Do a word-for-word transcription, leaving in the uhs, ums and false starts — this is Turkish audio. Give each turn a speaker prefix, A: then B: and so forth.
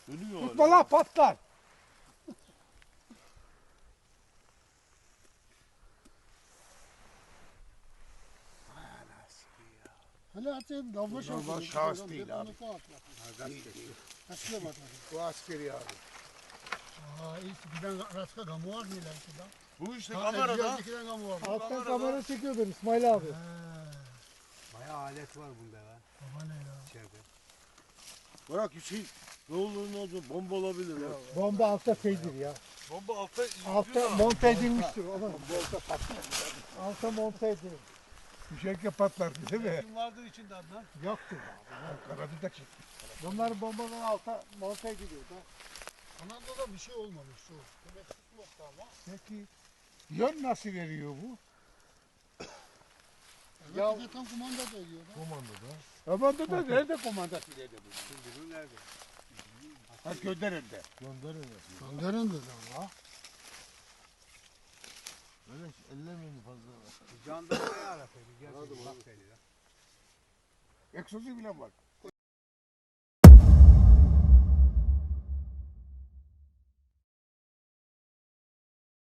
A: Dönüyor
B: Tutma
A: hala.
B: lan patlar.
C: Hele atayım dalma şansı.
B: Normal şahıs değil abi.
C: Askeri bak.
B: Bu askeri abi.
C: Aa iyi giden rastga gamı var mı ileride da?
A: Bu işte
C: Ha,
A: kamerada.
C: giden gamı var.
B: Alttan kamera çekiyordun İsmail abi.
D: Bayağı alet var bunda ya.
C: Baba ne ya?
D: İçeride.
A: Bırak Hüseyin. Ne olur ne olur bomba olabilir ya.
B: Bomba altta şeydir ya.
A: Bomba altta
B: Altta monte edilmiştir. Ona altta monte edilmiş.
E: Düşerken patlar değil mi?
D: Kim vardır içinde Adnan?
B: Yoktur.
E: Kanadı da çekti.
B: Bunlar bombadan alta monte ediliyor da.
C: Anadolu'da bir şey olmamış şu. Demek tutmakta ama.
E: Peki yön nasıl veriyor bu?
C: Evet,
B: Ya-
C: bir de tam kumanda da ediyor da.
E: Komandada.
B: Komanda da nerede komandası nerede bu?
D: Şimdi bu nerede?
B: Ha gönderinde.
E: Gönderin.
C: Gönderin dedi Allah.
E: Böyle ellemeyin fazla.
D: Jandarmayı arasaydı. Gelsin bak dedi ya.
B: Egzozu bile var.